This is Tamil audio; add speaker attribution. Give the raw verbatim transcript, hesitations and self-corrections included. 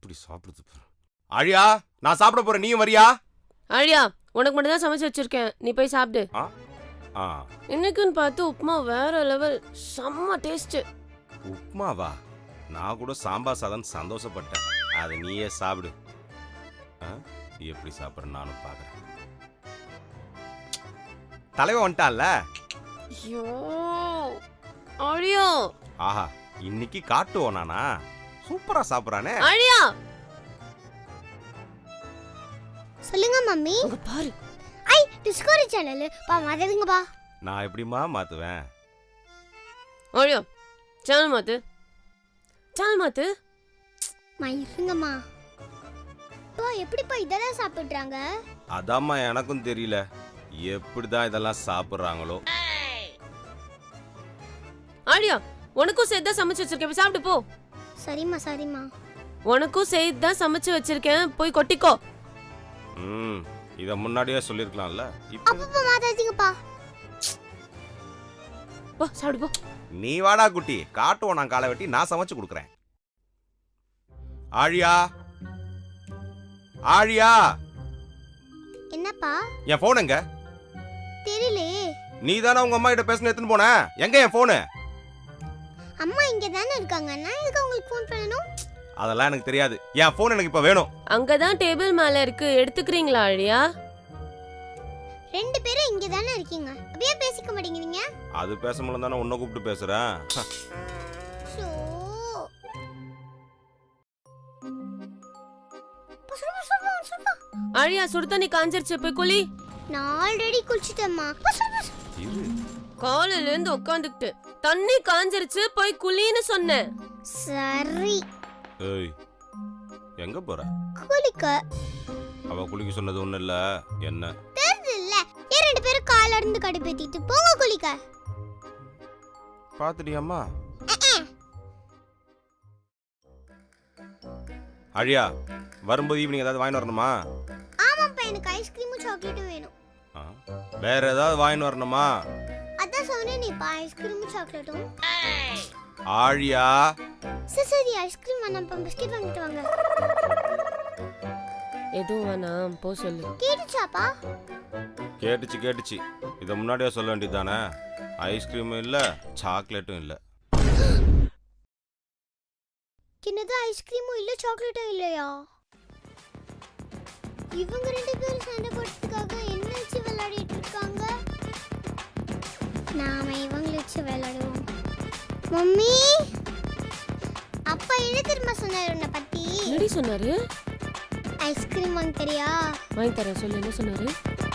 Speaker 1: எப்படி சாப்பிடுது பாரு. ஆழியா, நான் சாப்பிட போறேன், நீயும் வரியா?
Speaker 2: ஆழியா, உனக்கு மட்டும் தான் சமைச்சு வச்சிருக்கேன், நீ போய் சாப்பிடு.
Speaker 1: ஆ ஆ
Speaker 2: இன்னைக்குன்னு பார்த்து உப்புமா வேற லெவல், செம்ம டேஸ்ட்.
Speaker 1: உப்புமாவா? நான் கூட சாம்பார் சாதம் சந்தோஷப்பட்டேன். அதை நீயே சாப்பிடு. எப்படி சாப்பிட்ற நானும் பார்க்குறேன். தலைவன் வந்துட்டான்ல.
Speaker 2: ஐயோ ஆழியா,
Speaker 1: ஆஹா, இன்னைக்கு காட்டுவோம் நானா? சூப்பரா சாப்பிட்றானே.
Speaker 2: ஆழியா
Speaker 3: சொல்லுங்க மம்மி.
Speaker 2: அங்க பாரு.
Speaker 3: ஐ டிஸ்கவரி சேனல் பா மாத்துங்க பா.
Speaker 1: நான் எப்படிமா மாத்துவேன்?
Speaker 2: ஆழியா, சேனல் மாத்து, சேனல் மாத்து.
Speaker 3: மா இருங்கம்மா. பா எப்படிப்பா இதெல்லாம் சாப்பிடுறாங்க?
Speaker 1: அதாம்மா எனக்கும் தெரியல, எப்படிதான் இதெல்லாம் சாப்பிடுறாங்களோ.
Speaker 2: ஆழியா, உனக்கும் சேர்த்து தான் சமைச்சு வச்சிருக்கேன், போய் சாப்பிட்டு போ.
Speaker 3: சரிம்மா சரிம்மா.
Speaker 2: உனக்கும் சேர்த்து தான் சமைச்சு வச்சிருக்கேன், போய் கொட்டிக்கோ.
Speaker 1: ம், இத முன்னாடியே சொல்லிருக்கலாம்ல.
Speaker 3: அப்பப்பா மாத்தாதீங்கப்பா.
Speaker 2: போ சாப்பிடு போ.
Speaker 1: நீ வாடா குட்டி, காட்டுவோம் நான் காலை வெட்டி நான் சமைச்சு கொடுக்குறேன். ஆழியா, ஆழியா.
Speaker 3: என்னப்பா?
Speaker 1: என் போன் எங்க?
Speaker 3: தெரியலையே.
Speaker 1: நீ தானே உங்க அம்மா கிட்ட பேசணும் எடுத்துன்னு போன, எங்க என் போனு?
Speaker 3: அம்மா இங்க தானே இருக்காங்க, நான் எதுக்கு உங்களுக்கு ஃபோன் பண்ணனும்?
Speaker 1: அதெல்லாம் எனக்கு தெரியாது, என் போன் எனக்கு இப்ப வேணும்.
Speaker 2: அங்கதான் டேபிள் மேல இருக்கு, எடுத்துக்கிறீங்களா ஆழியா?
Speaker 3: ரெண்டு பேரும் இங்க தானே இருக்கீங்க, அப்படியே பேசிக்க மாட்டேங்கிறீங்க?
Speaker 1: அது பேச முடியல தானே உன்னை கூப்பிட்டு பேசுறேன்.
Speaker 3: சோ
Speaker 2: ஆழியா, சுடு தண்ணி காஞ்சிருச்சு, போய் குளி.
Speaker 3: நான் ஆல்ரெடி குளிச்சிட்டேம்மா.
Speaker 2: காலையில இருந்து உட்காந்துக்கிட்டு தண்ணி காஞ்சிருச்சு, போய் குளின்னு சொன்னேன்.
Speaker 3: சரி.
Speaker 1: ஏய், எங்க போற?
Speaker 3: குளிக்க.
Speaker 1: அவ குளிக்க சொன்னது ஒண்ணு இல்ல, என்ன
Speaker 3: தெரியல. ஏன் ரெண்டு பேரும் கால்ல இருந்து கடுப்பேத்திட்டு போங்க குளிக்க.
Speaker 1: பாத்துட்டியாம்மா? அழியா, வரும்போது ஈவினிங் ஏதாவது வாங்கி வரணுமா?
Speaker 3: ஆமாப்பா, எனக்கு ஐஸ்கிரீமும் சாக்லேட்டும் வேணும்.
Speaker 1: வேற ஏதாவது வாங்கி வரணுமா?
Speaker 3: அதான் சொன்னேனே பா, ஐஸ்கிரீமும் சாக்லேட்டும்.
Speaker 1: ஆழியா.
Speaker 3: சரி சரி, ஐஸ்கிரீம் வேணாம்ப்பா, பிஸ்கட் வாங்கிட்டு வாங்க.
Speaker 2: எதுவும் வேணாம், போ சொல்லு.
Speaker 3: கேட்டுச்சாப்பா?
Speaker 1: கேட்டுச்சு கேட்டுச்சு, இதை முன்னாடியே சொல்ல வேண்டியதானே. ஐஸ்கிரீமும் இல்ல, சாக்லேட்டும் இல்ல.
Speaker 3: என்னது, ஐஸ்கிரீமும் இல்ல சாக்லேட்டும் இல்லையா? இவங்க ரெண்டு பேரும் சண்டை போடுறதுக்காக என்ன வச்சு விளையாடிட்டு இருக்காங்க? நாம இவங்களை வச்சு விளையாடுவோம். மம்மி, அப்பா என்ன தெரியுமா சொன்னாரு உன்னை பத்தி?
Speaker 2: என்னடி சொன்னாரு?
Speaker 3: ஐஸ்கிரீம் வாங்கி தரியா?
Speaker 2: வாங்கி தரேன், சொல்லு, என்ன சொன்னாரு?